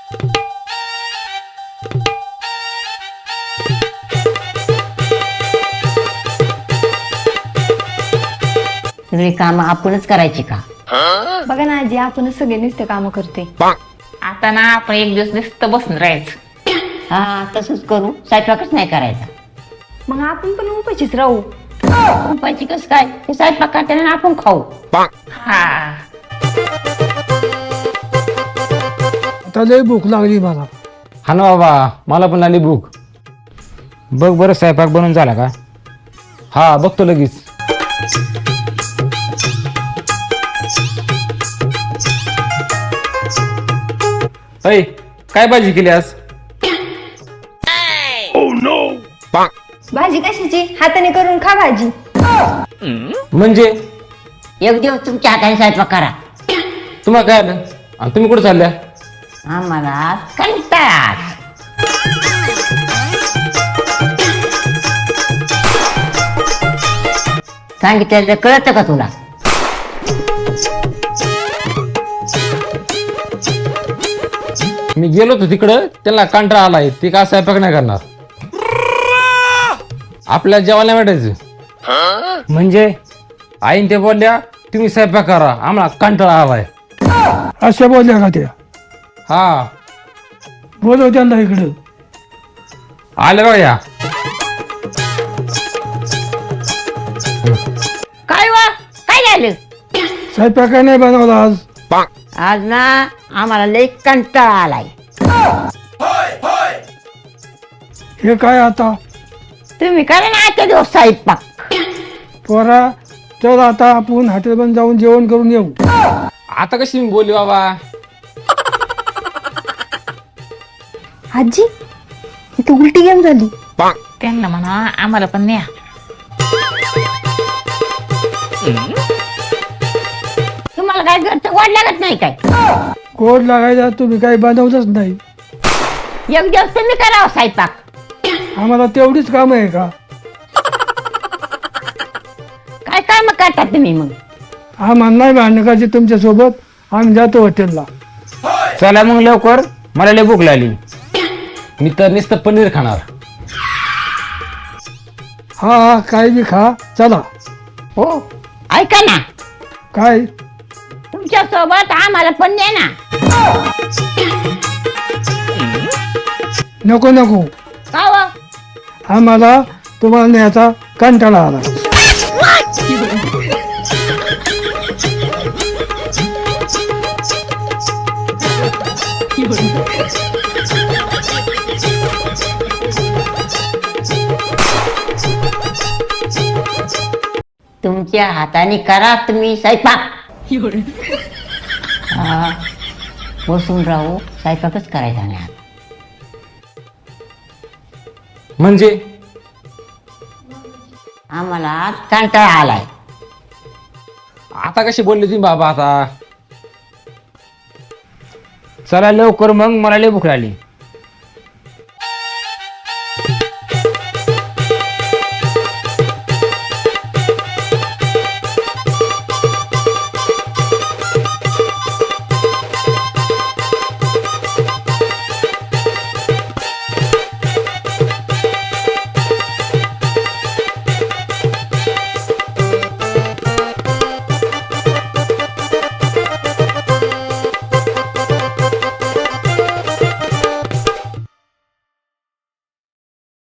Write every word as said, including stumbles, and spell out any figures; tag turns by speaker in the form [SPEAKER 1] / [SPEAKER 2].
[SPEAKER 1] सगळी कामं आपणच करायची का?
[SPEAKER 2] बघा ना आजी, आपणच सगळे नुसते काम करते.
[SPEAKER 3] आता ना आपण एक दिवस नुसतं बसून राहायचं.
[SPEAKER 1] हा तसंच करू, स्वयंपाकच नाही करायचा.
[SPEAKER 2] मग आपण पण उपाशीच राहू.
[SPEAKER 1] उपायची कस काय? ते स्वयंपाक करताना आणि आपण खाऊ.
[SPEAKER 3] हा
[SPEAKER 4] आता लय भूक लागली मला.
[SPEAKER 5] हा ना बाबा, मला पण आली भूक. बघ बरं स्वयंपाक बनवून झाला का? हा बघतो लगेच. अय काय भाजी केली आज?
[SPEAKER 2] भाजी कशाची? हाताने करून खा भाजी.
[SPEAKER 5] म्हणजे
[SPEAKER 1] एक दिवस तुमच्या हाताने स्वयंपाक करा.
[SPEAKER 5] तुम्हाला काय आलं आणि तुम्ही कुठे चालल्या?
[SPEAKER 1] आम्हाला कंटाळा. सांगितलं कळतं का तुला?
[SPEAKER 5] मी गेलो होतो तिकडं, त्यांना कंटाळा आलाय, ते का स्वयंपाक नाही करणार. आपल्याला जेवायला भेटायचं. म्हणजे आईन ते बोलल्या तुम्ही स्वयंपाक करा, आम्हाला कंटाळा आलाय.
[SPEAKER 4] अशा बोलल्या का त्या?
[SPEAKER 5] हा
[SPEAKER 4] बोलव त्यांना इकडं.
[SPEAKER 5] आले बघा या.
[SPEAKER 1] काय वा काय झालं?
[SPEAKER 4] स्वयंपाक नाही बनवला आज.
[SPEAKER 1] आज ना आम्हाला लई कंटाळा आलाय.
[SPEAKER 4] हे काय आता?
[SPEAKER 1] तुम्ही करा ना आजच्या दिवस स्वयंपाक.
[SPEAKER 4] पोरा चल आता आपण हॉटेलमध्ये जाऊन जेवण करून येऊ.
[SPEAKER 5] आता कशी मी बोलली बाबा?
[SPEAKER 2] आजी इथे उलटी गेम झाली.
[SPEAKER 3] त्यांना म्हणा आम्हाला पण न्या.
[SPEAKER 1] तुम्हाला काय घरचं वाढ लागत नाही काय?
[SPEAKER 4] गोड लागायचा तुम्ही काही बनवलंच नाही.
[SPEAKER 1] एक दिवस तुम्ही करावं स्वयंपाक.
[SPEAKER 4] आम्हाला तेवढीच काम आहे का?
[SPEAKER 1] काय काय मग करता तुम्ही मग?
[SPEAKER 4] आम्हाला नाही भांडण करायचे तुमच्या सोबत. आम्ही जातो हॉटेलला.
[SPEAKER 5] चला मग लवकर, मला लय भूक लागली. मी तर नुसतं पनीर खाणार.
[SPEAKER 4] हा हा काही बी खा. चला.
[SPEAKER 1] हो ऐका ना,
[SPEAKER 4] काय?
[SPEAKER 1] तुमच्या सोबत आम्हाला पण द्या ना.
[SPEAKER 4] नको नको,
[SPEAKER 1] का व?
[SPEAKER 4] आम्हाला तुम्हाला न्यायचा कंटाळा आला.
[SPEAKER 1] तुमच्या हाताने करा तुम्ही स्वयंपाक. हा, बसून राहू, स्वयंपाकच करायचा नाही आता.
[SPEAKER 5] म्हणजे
[SPEAKER 1] आम्हाला आज कंटाळा आलाय.
[SPEAKER 5] आता कशी बोलली तुम्ही बाबा? आता चला लवकर, मग मला लय भूक लागली.